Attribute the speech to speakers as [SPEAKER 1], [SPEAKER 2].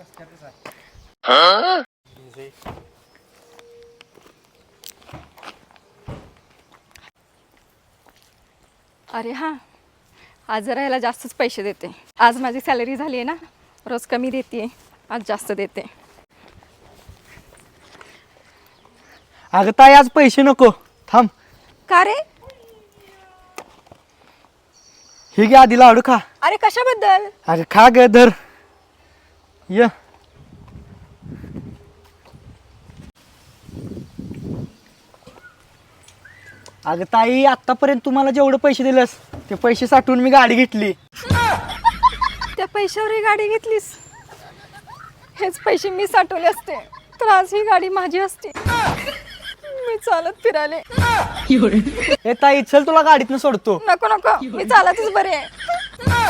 [SPEAKER 1] अरे हां, आज जरा याला जास्तच पैसे देते. आज माझी सॅलरी झाली आहे ना, रोज कमी देते, आज जास्त देते.
[SPEAKER 2] अगं ताई आज पैसे नको, थांब.
[SPEAKER 1] का रे?
[SPEAKER 2] हे घे आधी लाडू खा.
[SPEAKER 1] अरे कशाबद्दल?
[SPEAKER 2] अरे खा ग धर. ये अगं ताई आतापर्यंत तुम्हाला जेवढे पैसे दिलेस ते पैसे साठवून मी गाडी घेतली.
[SPEAKER 1] त्या पैशावर ही गाडी घेतलीस? हेच पैसे मी साठवले असते तर आज ही गाडी माझी असते. मी चालत फिराले.
[SPEAKER 2] ए ताई चल तुला गाडीतनं सोडतो.
[SPEAKER 1] नको नको, मी चालतच बरे आहे.